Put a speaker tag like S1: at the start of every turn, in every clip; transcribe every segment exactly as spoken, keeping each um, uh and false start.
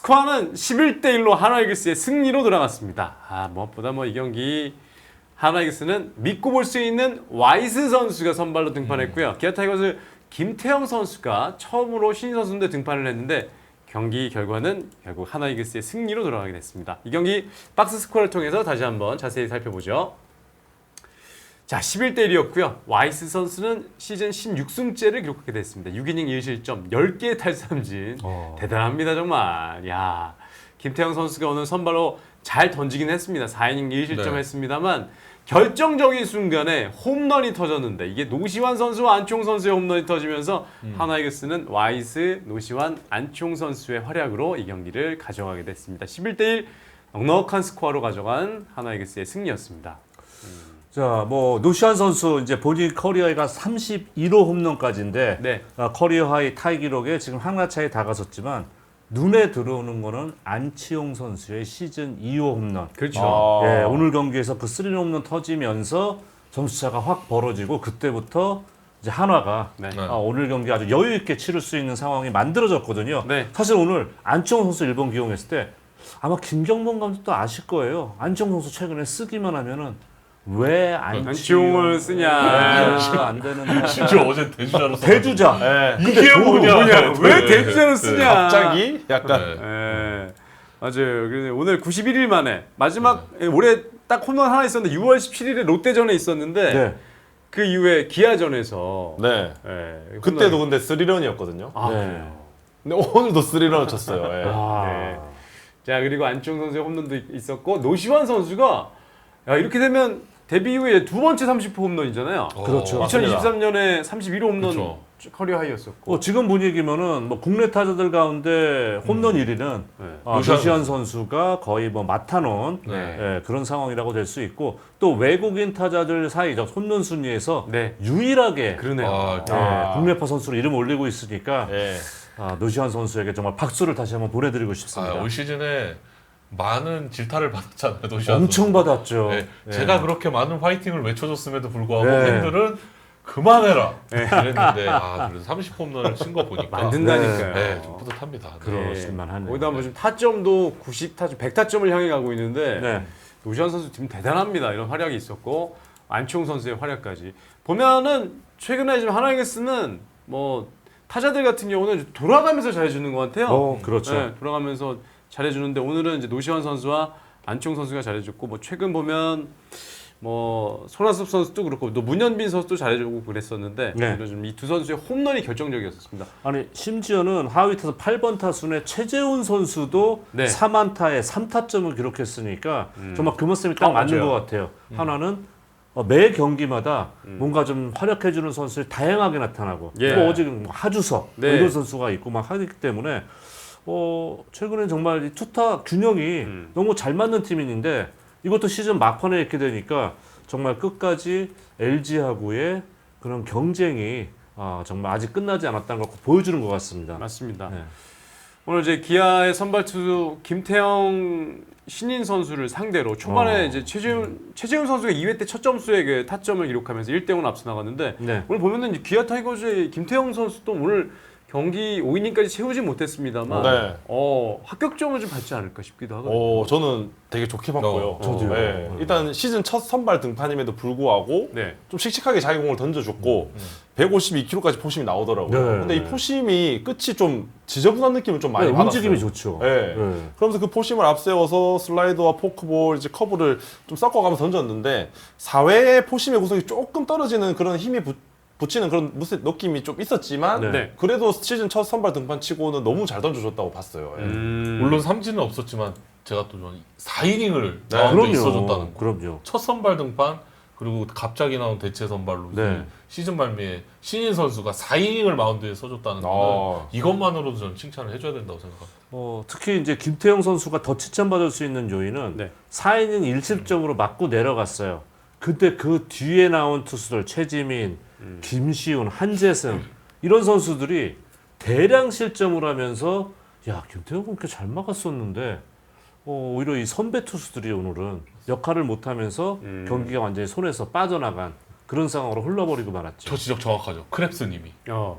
S1: 스코어는 십일 대 일로 하나이글스의 승리로 돌아갔습니다. 아, 무엇보다 뭐 이 경기 하나이글스는 믿고 볼 수 있는 와이스 선수가 선발로 등판했고요. 음. 기아 타이거즈 김태형 선수가 처음으로 신인 선수인데 등판을 했는데 경기 결과는 결국 하나이글스의 승리로 돌아가게 됐습니다. 이 경기 박스 스코어를 통해서 다시 한번 자세히 살펴보죠. 자, 십일 대 일이었고요. 와이스 선수는 시즌 십육 승째를 기록하게 됐습니다. 육 이닝 일 실점, 열 개의 탈삼진. 어. 대단합니다, 정말. 야, 김태형 선수가 오늘 선발로 잘 던지긴 했습니다. 사 이닝 일 실점 네. 했습니다만 결정적인 순간에 홈런이 터졌는데 이게 노시환 선수와 안치홍 선수의 홈런이 터지면서 음. 하나이글스는 와이스, 노시환, 안치홍 선수의 활약으로 이 경기를 가져가게 됐습니다. 십일 대 일 넉넉한 스코어로 가져간 하나이글스의 승리였습니다. 음.
S2: 자, 뭐 노시환 선수 이제 본인 커리어가 삼십일 호 홈런까지인데 네. 아, 커리어 하이 타이 기록에 지금 하나 차에 다가섰지만 눈에 들어오는 거는 안치홍 선수의 시즌 이 호 홈런.
S1: 그렇죠.
S2: 아. 예, 오늘 경기에서 그 쓰리 홈런 터지면서 점수차가 확 벌어지고 그때부터 이제 한화가 네. 아, 오늘 경기 아주 여유 있게 치를 수 있는 상황이 만들어졌거든요. 네. 사실 오늘 안치홍 선수 일본 기용했을 때 아마 김경범 감독도 아실 거예요. 안치홍 선수 최근에 쓰기만 하면은 왜
S1: 안치홍을 쓰냐?
S2: 네, 안 되는.
S3: 심지어 어제 대주자로 써.
S2: 대주자.
S3: 네.
S1: 이게 뭐냐? 뭐냐? 왜 대주자로 쓰냐?
S3: 갑자기 약간.
S1: 네. 네. 맞아요. 그래서 오늘 구십일 일 만에 마지막 네. 올해 딱 홈런 하나 있었는데 유월 십칠일에 롯데전에 있었는데 네. 그 이후에 기아전에서
S3: 네. 네. 그때도 근데 쓰리런이었거든요.
S1: 아,
S3: 네. 근데 오늘도 쓰리런을 쳤어요. 네.
S1: 아. 네. 자, 그리고 안치홍 선수의 홈런도 있었고 노시환 선수가 야, 이렇게 되면 데뷔 이후에 두 번째 삼십 호 홈런이잖아요.
S2: 어, 그렇죠.
S1: 이천이십삼 년에 삼십일 호 홈런 그렇죠. 커리어 하이였었고.
S2: 어, 지금 분위기면은 뭐 국내 타자들 가운데 홈런 음. 일 위는 네. 아, 노시환 선수가 거의 뭐 맡아놓은 네. 예, 그런 상황이라고 될 수 있고 또 외국인 타자들 사이 홈런 순위에서 네. 유일하게
S1: 그러네요. 아,
S2: 예, 아. 국내파 선수로 이름 올리고 있으니까 네. 아, 노시환 선수에게 정말 박수를 다시 한번 보내드리고 싶습니다.
S3: 아, 올 시즌에 많은 질타를 받았잖아요. 노시환
S2: 엄청
S3: 선수.
S2: 받았죠.
S3: 네.
S2: 네.
S3: 제가 그렇게 많은 화이팅을 외쳐줬음에도 불구하고
S2: 네.
S3: 팬들은 그만해라 이랬는데 아, 그래서 삼십 홈런을 친 거 보니까
S1: 만든다니까요.
S3: 네, 좀 뿌듯합니다. 네.
S2: 그러실만 하네요.
S1: 거기다 뭐 지금 타점도 구십 타점, 백 타점을 향해 가고 있는데 네. 노시환 선수 지금 대단합니다. 이런 활약이 있었고 안치홍 선수의 활약까지 보면은 최근에 지금 하나이글스는 뭐 타자들 같은 경우는 돌아가면서 잘해주는 것 같아요.
S2: 어, 그렇죠.
S1: 네, 돌아가면서 잘해주는데 오늘은 이제 노시환 선수와 안치홍 선수가 잘해줬고 뭐 최근 보면 뭐 손아섭 선수도 그렇고 또 문현빈 선수도 잘해주고 그랬었는데 네. 이 두 선수의 홈런이 결정적이었습니다.
S2: 아니 심지어는 하위 타수 팔 번 타순에 최재훈 선수도 네. 삼 안타에 삼 타점을 기록했으니까 음. 정말 그 모습이 딱 어, 맞는 맞아요. 것 같아요. 음. 하나는 매 경기마다 음. 뭔가 좀 활약해주는 선수들이 다양하게 나타나고 예. 또 어제 하주석 네. 이런 선수가 있고 막 하기 때문에 어, 최근에 정말 이 투타 균형이 음. 너무 잘 맞는 팀인데 이것도 시즌 막판에 이렇게 되니까 정말 끝까지 엘지하고의 그런 경쟁이 아, 정말 아직 끝나지 않았다는 걸 보여주는 것 같습니다.
S1: 맞습니다. 네. 오늘 이제 기아의 선발 투수 김태형 신인 선수를 상대로 초반에 어. 이제 최재훈 최재훈 선수가 이 회 때 첫 점수에 그 타점을 기록하면서 일 대 영으로 앞서 나갔는데 네. 오늘 보면은 기아 타이거즈의 김태형 선수도 오늘 경기 오 이닝까지 채우지 못했습니다만 네. 어, 합격점을 좀 받지 않을까 싶기도 하거든요.
S3: 어, 저는 되게 좋게 봤고요.
S2: 어, 저도요.
S3: 네.
S2: 어.
S3: 일단 시즌 첫 선발 등판임에도 불구하고 네. 좀 씩씩하게 자기 공을 던져줬고 음. 백오십이 킬로미터까지 포심이 나오더라고요.
S2: 네.
S3: 근데 이 포심이 끝이 좀 지저분한 느낌을 좀 많이
S2: 네,
S3: 받았어요.
S2: 움직임이 좋죠.
S3: 네. 네. 그러면서 그 포심을 앞세워서 슬라이더와 포크볼, 이제 커브를 좀 섞어가면서 던졌는데 사 회에 포심의 구속이 조금 떨어지는 그런 힘이 붙 붙이는 그런 무슨 느낌이 좀 있었지만 네. 그래도 시즌 첫 선발 등판 치고는 너무 잘 던져줬다고 봤어요.
S4: 음. 물론 삼진은 없었지만 제가 또 사 이닝을 네. 마운드에 있어줬다는 거.
S2: 그럼요.
S4: 첫 선발 등판 그리고 갑자기 나온 대체 선발로 네. 시즌 말미에 신인 선수가 사 이닝을 마운드에 써줬다는 거 이것만으로도 저는 칭찬을 해줘야 된다고 생각합니다.
S2: 어, 특히 이제 김태형 선수가 더 칭찬받을 수 있는 요인은 네. 사 이닝 일 실점으로 음. 맞고 내려갔어요. 그때 그 뒤에 나온 투수들 최지민, 음. 김시훈, 한재승 이런 선수들이 대량 실점을 하면서 야 김태형 그렇게 잘 막았었는데 어, 오히려 이 선배 투수들이 오늘은 역할을 못하면서 음. 경기가 완전히 손에서 빠져나간 그런 상황으로 흘러버리고 말았죠.
S4: 저 지적 정확하죠. 크랩스님이.
S1: 어.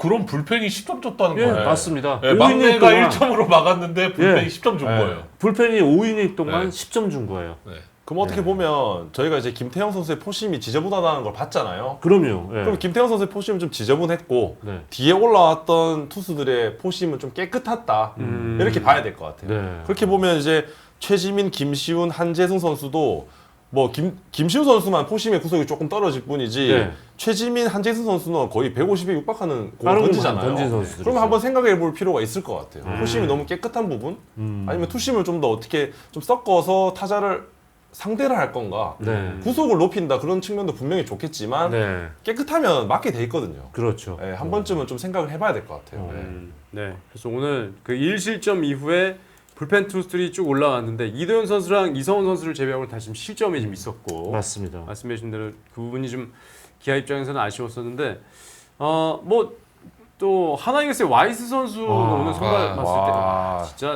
S4: 그럼 불펜이 십 점 줬다는
S2: 예,
S4: 거예요.
S2: 맞습니다.
S4: 예,
S2: 오 이닝
S4: 막내가
S2: 동안
S4: 일 점으로 막았는데 불펜이
S2: 예.
S4: 십 점 준
S3: 예.
S4: 거예요.
S2: 불펜이 오 이닝 동안
S4: 네.
S2: 십 점 준 거예요.
S4: 네.
S3: 그럼 어떻게
S2: 네.
S3: 보면 저희가 이제 김태형 선수의 포심이 지저분하다는 걸 봤잖아요.
S2: 그럼요. 예.
S3: 그럼 김태형 선수의 포심은 좀 지저분했고
S2: 네.
S3: 뒤에 올라왔던 투수들의 포심은 좀 깨끗했다.
S1: 음.
S3: 이렇게 봐야 될 것 같아요.
S2: 네.
S3: 그렇게 보면 이제 최지민, 김시훈, 한재승 선수도 뭐 김, 김시훈 선수만 포심의 구속이 조금 떨어질 뿐이지
S2: 네.
S3: 최지민, 한재승 선수는 거의 백오십에 육박하는 공을
S2: 빠른 공
S3: 던지잖아요.
S2: 던진 선수들이죠.
S3: 그러면 한번 생각해 볼 필요가 있을 것 같아요.
S2: 음.
S3: 포심이 너무 깨끗한 부분
S2: 음.
S3: 아니면 투심을 좀 더 어떻게 좀 섞어서 타자를 상대를 할 건가
S2: 네.
S3: 구속을 높인다 그런 측면도 분명히 좋겠지만
S2: 네.
S3: 깨끗하면 맞게 돼 있거든요.
S2: 그렇죠.
S3: 예, 한 번쯤은 좀 생각을 해봐야 될 것 같아요.
S2: 어.
S3: 예.
S1: 음, 네. 그래서 오늘 그 일 실점 이후에 불펜 투수들이 쭉 올라왔는데 이도현 선수랑 이성훈 선수를 제외하고 다 지금 실점이 좀 있었고
S2: 맞습니다.
S1: 말씀해주신 대로 그 부분이 좀 기아 입장에서는 아쉬웠었는데 어 뭐 또 하나이글스의 와이스 선수
S2: 와.
S1: 오늘 선발
S4: 와.
S1: 봤을
S3: 와.
S1: 때 진짜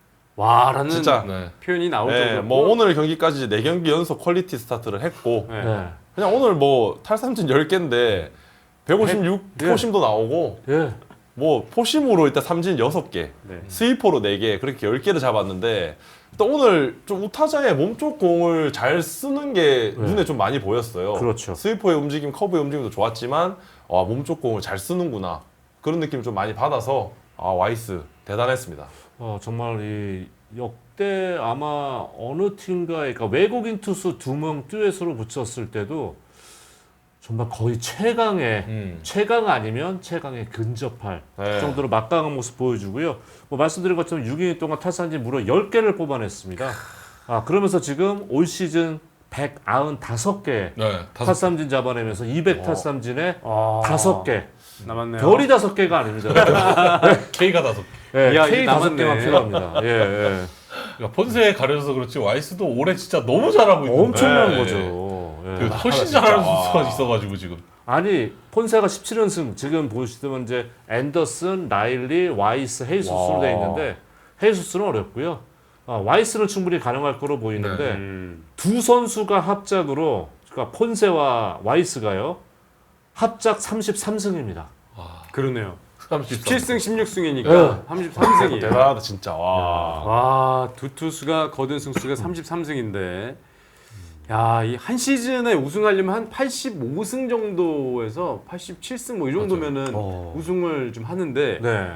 S1: 와라는
S3: 진짜.
S4: 네.
S1: 표현이 나올
S3: 예,
S1: 정도로
S3: 뭐 오늘 경기까지 네 경기 연속 퀄리티 스타트를 했고
S1: 네.
S2: 네.
S3: 그냥 오늘 뭐 탈삼진 열 개인데 백오십육
S2: 예.
S3: 포심도 나오고
S2: 예.
S3: 뭐 포심으로 일단 삼진 여섯 개
S1: 네.
S3: 스위퍼로 네 개 그렇게 열 개를 잡았는데 또 오늘 좀 우타자의 몸쪽 공을 잘 쓰는 게
S2: 네.
S3: 눈에 좀 많이 보였어요.
S2: 그렇죠.
S3: 스위퍼의 움직임, 커브의 움직임도 좋았지만 와 몸쪽 공을 잘 쓰는구나 그런 느낌을 좀 많이 받아서 아 와이스 대단했습니다.
S2: 어, 정말 이 역대 아마 어느 팀과의 그러니까 외국인 투수 두 명 듀엣으로 붙였을 때도 정말 거의 최강의
S4: 음.
S2: 최강 아니면 최강에 근접할
S3: 네.
S2: 정도로 막강한 모습 보여주고요. 뭐 말씀드린 것처럼 육 이닝 동안 타산진 무려 열 개를 뽑아냈습니다. 아 그러면서 지금 올 시즌 백구십오 개
S4: 네. 다섯
S2: 타삼진 잡아내면서 이백 타삼진에
S1: 아,
S2: 다섯 개
S1: 남았네요.
S2: 별이 다섯 개가 아닙니다.
S4: K가 다섯 개.
S2: 예,
S1: 이야,
S2: K
S1: 이게
S2: 다섯
S1: 남았네.
S2: 개만 필요합니다. 예, 예.
S4: 그러니까 폰세에 가려져서 그렇지 와이스도 올해 진짜 너무 잘하고 있는데
S2: 엄청난
S4: 네.
S2: 거죠. 예.
S4: 그 훨씬
S3: 진짜.
S4: 잘하는
S3: 와.
S4: 선수가 있어가지고 지금
S2: 아니 폰세가 십칠 연승 지금 보시면 이제 앤더슨, 라일리, 와이스, 헤이수스로
S3: 와.
S2: 돼 있는데 헤이수스는 어렵고요. 아, 와이스는 충분히 가능할 거로 보이는데
S1: 음.
S2: 두 선수가 합작으로 그러니까 폰세와 와이스가요 합작 삼십삼 승입니다.
S1: 그러네요.
S4: 삼십삼.
S1: 십칠 승 십육 승이니까
S2: 네.
S1: 삼십삼 승이.
S3: 대단하다 진짜 와.
S1: 와, 두 투수가 거둔 승수가 삼십삼 승인데, 야, 이 한 시즌에 우승하려면 한 팔십오 승 정도에서 팔십칠 승 뭐 이 정도면은
S2: 어.
S1: 우승을 좀 하는데
S2: 네.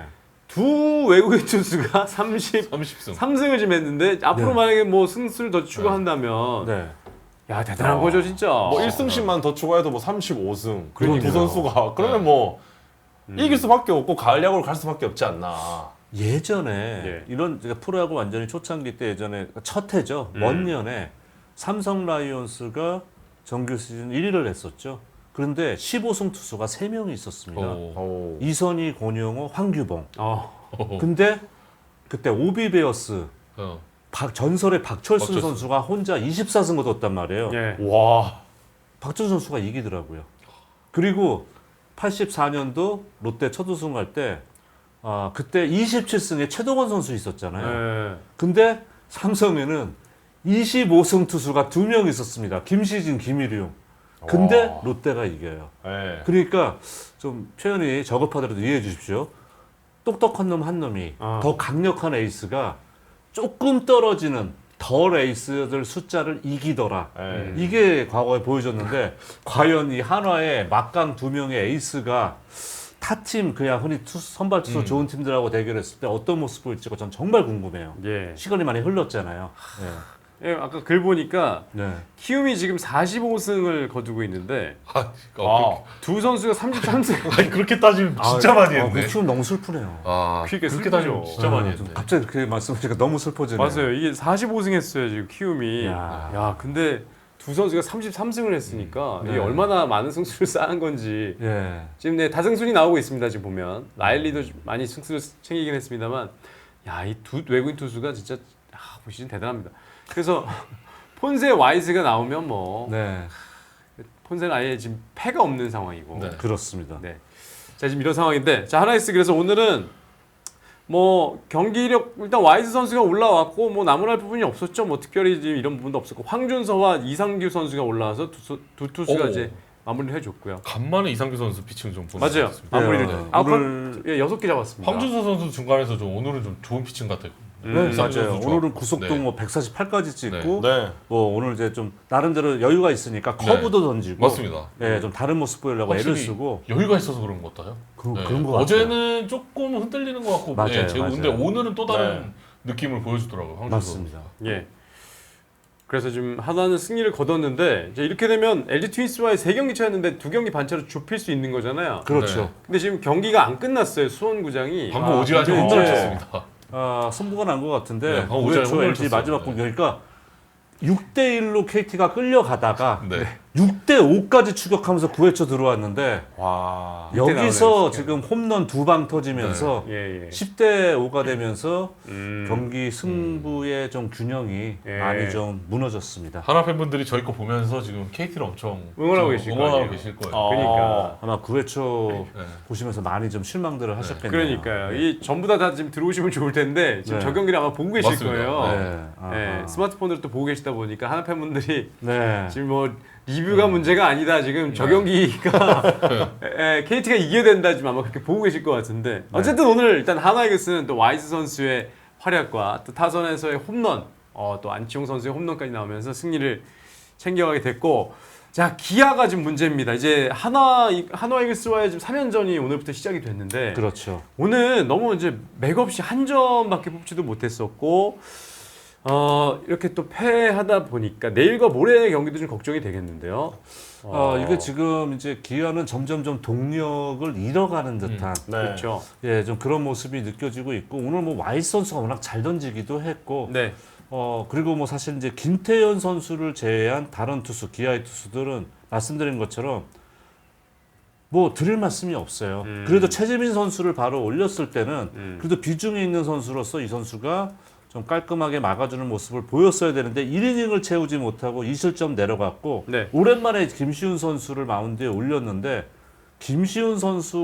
S1: 두 외국인 투수가 삼십삼
S4: 삼십 승.
S1: 승을 좀 했는데 앞으로
S2: 네.
S1: 만약에 뭐 승수를 더 추가한다면,
S2: 네.
S1: 야 대단한
S3: 어.
S1: 거죠 진짜.
S3: 뭐 일 승씩만 더 추가해도 뭐 삼십오 승 그리고 두
S1: 그러니까요.
S3: 선수가 그러면 뭐 이길 수밖에 없고 가을 야구로 갈 수밖에 없지 않나.
S2: 예전에
S1: 예.
S2: 이런 제가 프로야구 완전히 초창기 때 예전에 첫 해죠.
S1: 음.
S2: 먼 년에 삼성 라이온스가 정규 시즌 일 위를 했었죠. 그런데 십오 승 투수가 세 명이 있었습니다.
S4: 오.
S3: 오.
S2: 이선희, 권영호, 황규봉.
S1: 어,
S2: 근데 그때 오비베어스
S4: 어.
S2: 박, 전설의 박철순,
S4: 박철순.
S2: 선수가 혼자 이십사 승 거뒀단 말이에요.
S1: 예.
S3: 와.
S2: 박철순 선수가 이기더라고요. 그리고 팔십사 년도 롯데 첫 우승할 때 아, 그때 이십칠 승에 최동원 선수 있었잖아요.
S1: 예.
S2: 근데 삼성에는 이십오 승 투수가 두 명 있었습니다. 김시진, 김일용. 근데
S3: 와.
S2: 롯데가 이겨요.
S3: 네.
S2: 그러니까 좀 표현이 저급하더라도 이해해 주십시오. 똑똑한 놈 한 놈이
S1: 아.
S2: 더 강력한 에이스가 조금 떨어지는 덜 에이스들 숫자를 이기더라.
S3: 네.
S2: 이게 과거에 보여줬는데 과연 이 한화의 막강 두 명의 에이스가 타팀 그냥 흔히 투수, 선발 투수
S4: 음.
S2: 좋은 팀들하고 대결했을 때 어떤 모습 보일지가 전 정말 궁금해요.
S1: 예.
S2: 시간이 많이 흘렀잖아요.
S1: 예, 아까 글 보니까
S2: 네. 네.
S1: 키움이 지금 사십오 승을 거두고 있는데
S4: 아,
S3: 아.
S4: 어,
S1: 두 선수가 삼십삼 승.
S4: 그렇게, 아니 그렇게 따지면 진짜 많이
S2: 아,
S4: 했네.
S2: 그 키움 너무 슬프네요.
S4: 아,
S1: 그게
S4: 그렇게
S1: 슬프죠.
S4: 따지면 진짜 많이
S2: 아,
S4: 했네.
S2: 좀 갑자기 그렇게 말씀하시니까 너무 슬퍼지네요.
S1: 맞아요. 이게 사십오 승 했어요 지금 키움이.
S2: 야.
S1: 야, 근데 두 선수가 삼십삼 승을 했으니까
S2: 네.
S1: 이게 얼마나 많은 승수를 쌓은 건지
S2: 예.
S1: 지금 네 다승순이 나오고 있습니다. 지금 보면 라일리도 좀 많이 승수를 챙기긴 했습니다만, 야, 이 두 외국인 투수가 진짜 아, 뭐 시즌 대단합니다. 그래서 폰세 와이스가 나오면 뭐
S2: 네.
S1: 폰세는 아예 지금 패가 없는 상황이고.
S4: 네.
S2: 그렇습니다.
S1: 네. 자 지금 이런 상황인데 자 하나이스 그래서 오늘은 뭐 경기력 일단 와이스 선수가 올라왔고 뭐 나무랄 부분이 없었죠. 뭐 특별히 지금 이런 부분도 없었고 황준서와 이상규 선수가 올라와서 두, 수- 두 투수가
S4: 오.
S1: 이제 마무리를 해줬고요.
S4: 간만에 이상규 선수 피칭 좀 보는
S1: 맞아요.
S4: 것 같습니다.
S1: 마무리를
S2: 네.
S1: 아웃
S2: 오늘-
S1: 예, 여섯 개 잡았습니다.
S4: 황준서 선수 중간에서 좀 오늘은 좀 좋은 피칭 같아요.
S1: 음,
S2: 네,
S4: 이상규
S2: 맞아요.
S4: 선수
S2: 오늘은
S4: 좋았고.
S2: 구속도
S4: 네.
S2: 뭐 백사십팔까지 찍고
S3: 네.
S2: 뭐 오늘 이제 좀 나름대로 여유가 있으니까 커브도 던지고
S4: 맞습니다.
S2: 예, 좀 다른 모습 보이려고 애를
S4: 확실히
S2: 쓰고
S4: 여유가 있어서 그런 것 같아요.
S2: 그,
S4: 네.
S2: 그런 거 같아요.
S4: 어제는 조금 흔들리는 것 같고,
S2: 맞아요,
S4: 네, 제가 근데
S2: 맞아요.
S4: 오늘은 또 다른
S3: 네.
S4: 느낌을 보여주더라고요. 황준서
S2: 맞습니다.
S1: 예. 그래서 지금 하나는 승리를 거뒀는데 이제 이렇게 되면 엘지 트윈스와의 세 경기 차였는데 두 경기 반차로 좁힐 수 있는 거잖아요.
S2: 그렇죠.
S4: 네.
S1: 근데 지금 경기가 안 끝났어요. 수원구장이.
S4: 방금
S2: 아,
S4: 오지환이
S2: 근데
S4: 엄청
S2: 이제-
S4: 쳤습니다.
S2: 아, 승부가 난 것 같은데
S4: 네, 방금 오지환이
S2: 구회 초
S4: 홈런을
S2: 엘지
S4: 쳤어요.
S2: 마지막
S4: 네.
S2: 공격이니까 육 대 일로 케이티가 끌려가다가
S4: 네.
S2: 육 대 오까지 추격하면서 구 회 초 들어왔는데
S3: 와.
S1: 이때
S2: 여기서
S1: 나오네요,
S2: 지금 홈런 두 방 터지면서
S1: 예, 예.
S2: 십 대 오가 되면서
S1: 음.
S2: 경기 승부의 좀 균형이
S1: 예.
S2: 많이 좀 무너졌습니다.
S4: 하나 팬분들이 저희 거 보면서 지금 케이티를 엄청
S1: 응원하고
S4: 좀
S1: 계실 거
S4: 응원하고
S1: 아니에요.
S4: 계실 거예요.
S3: 어.
S1: 그러니까.
S2: 아마 구 회 초
S4: 네.
S2: 보시면서 많이 좀 실망들을 하셨겠네요.
S1: 그러니까요. 이 전부 다, 다 지금 들어오시면 좋을 텐데 지금
S2: 네.
S1: 저 경기를 아마 보고 계실
S4: 맞습니다.
S1: 거예요.
S2: 네. 아하.
S1: 예, 스마트폰으로 또 보고 계시다 보니까 하나 팬분들이
S2: 네.
S1: 지금 뭐 리뷰가 문제가 아니다. 지금 저
S4: 네.
S1: 경기가 에, 케이티가 이겨야 된다. 지금 아마 그렇게 보고 계실 것 같은데 어쨌든 오늘 일단 하나이글스는 또 와이즈 선수의 활약과 또 타선에서의 홈런, 어, 또 안치홍 선수의 홈런까지 나오면서 승리를 챙겨가게 됐고, 자 기아가 지금 문제입니다. 이제 하나 하나이글스와의 지금 삼 연전이 오늘부터 시작이 됐는데
S2: 그렇죠.
S1: 오늘 너무 이제 맥없이 한 점밖에 뽑지도 못했었고. 어 이렇게 또 패하다 보니까 내일과 모레의 경기도 좀 걱정이 되겠는데요.
S2: 어, 이게 지금 이제 기아는 점점점 동력을 잃어가는 듯한
S3: 네.
S1: 그렇죠.
S2: 예, 좀 그런 모습이 느껴지고 있고 오늘 뭐 와이스 선수가 워낙 잘 던지기도 했고
S1: 네.
S2: 어 그리고 뭐 사실 이제 김태현 선수를 제외한 다른 투수 기아의 투수들은 말씀드린 것처럼 뭐 드릴 말씀이 없어요.
S1: 음.
S2: 그래도 최재민 선수를 바로 올렸을 때는
S1: 음.
S2: 그래도 비중이 있는 선수로서 이 선수가 좀 깔끔하게 막아주는 모습을 보였어야 되는데 일 이닝을 채우지 못하고 이 실점 내려갔고
S1: 네.
S2: 오랜만에 김시훈 선수를 마운드에 올렸는데 김시훈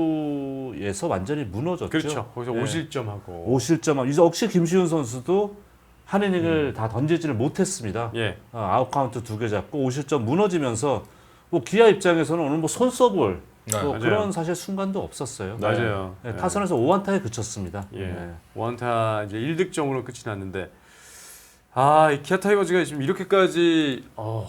S2: 선수에서 완전히 무너졌죠.
S1: 그렇죠. 거기서
S2: 네.
S1: 오 실점하고.
S2: 오 실점. 이제 역시 김시훈 선수도 한 이닝을 다 던지지를 못했습니다.
S1: 예.
S2: 어, 아웃 카운트 두 개 잡고 오 실점 무너지면서 뭐 기아 입장에서는 오늘 뭐 손 써볼
S4: 네,
S2: 뭐
S1: 맞아요.
S2: 그런 사실 순간도 없었어요.
S1: 맞아요.
S2: 네, 타선에서 오 안타에 그쳤습니다.
S1: 예.
S2: 네.
S1: 원타 이제 일 득점으로 끝이 났는데 아, 이 기아 타이거즈가 지금 이렇게까지 어,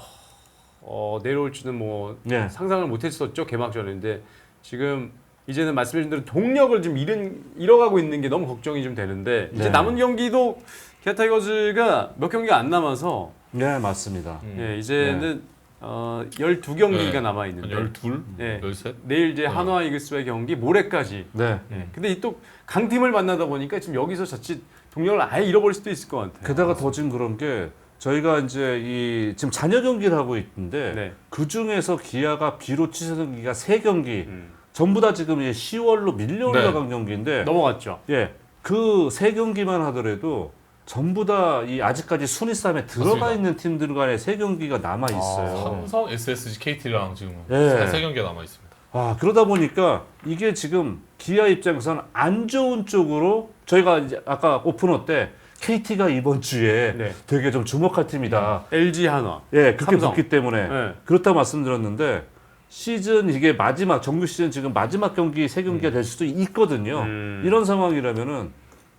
S1: 어 내려올 줄은 뭐
S2: 네.
S1: 상상을 못했었죠. 개막전인데 지금 이제는 말씀해주신 대로 동력을 좀 잃은, 잃어가고 있는 게 너무 걱정이 좀 되는데 이제
S2: 네.
S1: 남은 경기도 기아 타이거즈가 몇 경기가 안 남아서
S2: 네, 맞습니다.
S4: 음.
S1: 예, 이제는 어, 열두 경기가
S4: 네.
S1: 남아
S4: 한
S1: 있는데
S4: 열둘,
S1: 네.
S4: 열셋.
S1: 내일 이제
S4: 네.
S1: 한화 이글스와의 경기 모레까지.
S2: 네.
S1: 예. 근데 이 또 강팀을 만나다 보니까 지금 여기서 자칫 동력을 아예 잃어버릴 수도 있을 것 같아요.
S2: 게다가 더 지금 그런 게 저희가 이제 이 지금 잔여 경기를 하고 있는데
S1: 네.
S2: 그 중에서 기아가 비로 취소된 경기가 세 경기
S1: 음.
S2: 전부 다 지금 이제 시월로 밀려
S4: 네.
S2: 올라간 경기인데
S1: 넘어갔죠.
S2: 예, 그 세 경기만 하더라도 전부 다 이 아직까지 순위 싸움에 들어가
S4: 맞습니다.
S2: 있는 팀들 간의 세 경기가 남아 있어요.
S4: 삼성, 에스에스지, 케이티랑 지금
S2: 예.
S4: 세 경기가 남아 있습니다.
S2: 아, 그러다 보니까 이게 지금 기아 입장에서는 안 좋은 쪽으로 저희가 이제 아까 오프너 때 케이티가 이번 주에
S1: 네.
S2: 되게 좀 주목할 팀이다.
S1: 엘지 한화.
S2: 예, 그렇게
S1: 삼성.
S2: 붙기 때문에
S1: 네.
S2: 그렇다 말씀드렸는데 시즌 이게 마지막 정규 시즌 지금 마지막 경기 세 경기가 될 수도 있거든요.
S1: 음.
S2: 이런 상황이라면은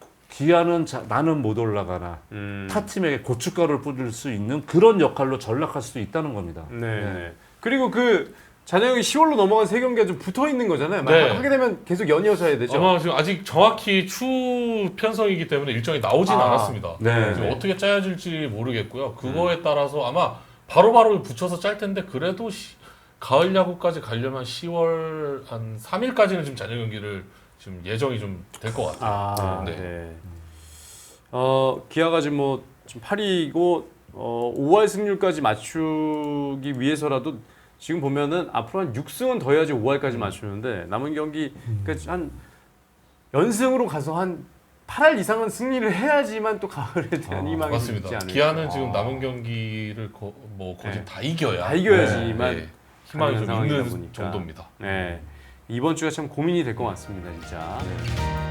S2: 기아는 자, 나는 못 올라가나
S1: 음.
S2: 타 팀에게 고춧가루를 뿌릴 수 있는 그런 역할로 전락할 수도 있다는 겁니다.
S1: 네. 네. 그리고 그 잔여형이 시월로 넘어간 세 경기가 좀 붙어 있는 거잖아요.
S4: 네.
S1: 하게 되면 계속 연이어서 해야 되죠.
S4: 아마 지금 아직 정확히 추 편성이기 때문에 일정이 나오진
S1: 아.
S4: 않았습니다.
S2: 네.
S4: 지금
S1: 네.
S4: 어떻게 짜여질지 모르겠고요. 그거에 따라서 아마 바로바로 붙여서 짤 텐데 그래도 시, 가을 야구까지 가려면 시월 한 삼 일까지는 지금 잔여 경기를 지금 예정이 좀 될 것 같아요.
S1: 아, 네.
S4: 네.
S1: 어, 기아가 지금 뭐 지금 팔 위이고 어, 오 할 승률까지 맞추기 위해서라도 지금 보면은 앞으로 한 육 승은 더 해야지 오 할까지 맞추는데 남은 경기 그러니까 한 연승으로 가서 한 팔 할 이상은 승리를 해야지만 또 가을에 대한
S2: 아,
S1: 희망이 있지
S4: 맞습니다.
S1: 않을까.
S4: 기아는 지금 남은 경기를 거, 뭐 거의
S1: 네.
S4: 다 이겨야
S1: 다 이겨야지만
S4: 네, 희망이
S1: 가능한
S4: 좀
S1: 상황이다
S4: 있는
S1: 보니까.
S4: 정도입니다.
S1: 네. 이번 주가 참 고민이 될 것 같습니다, 진짜.
S2: 네.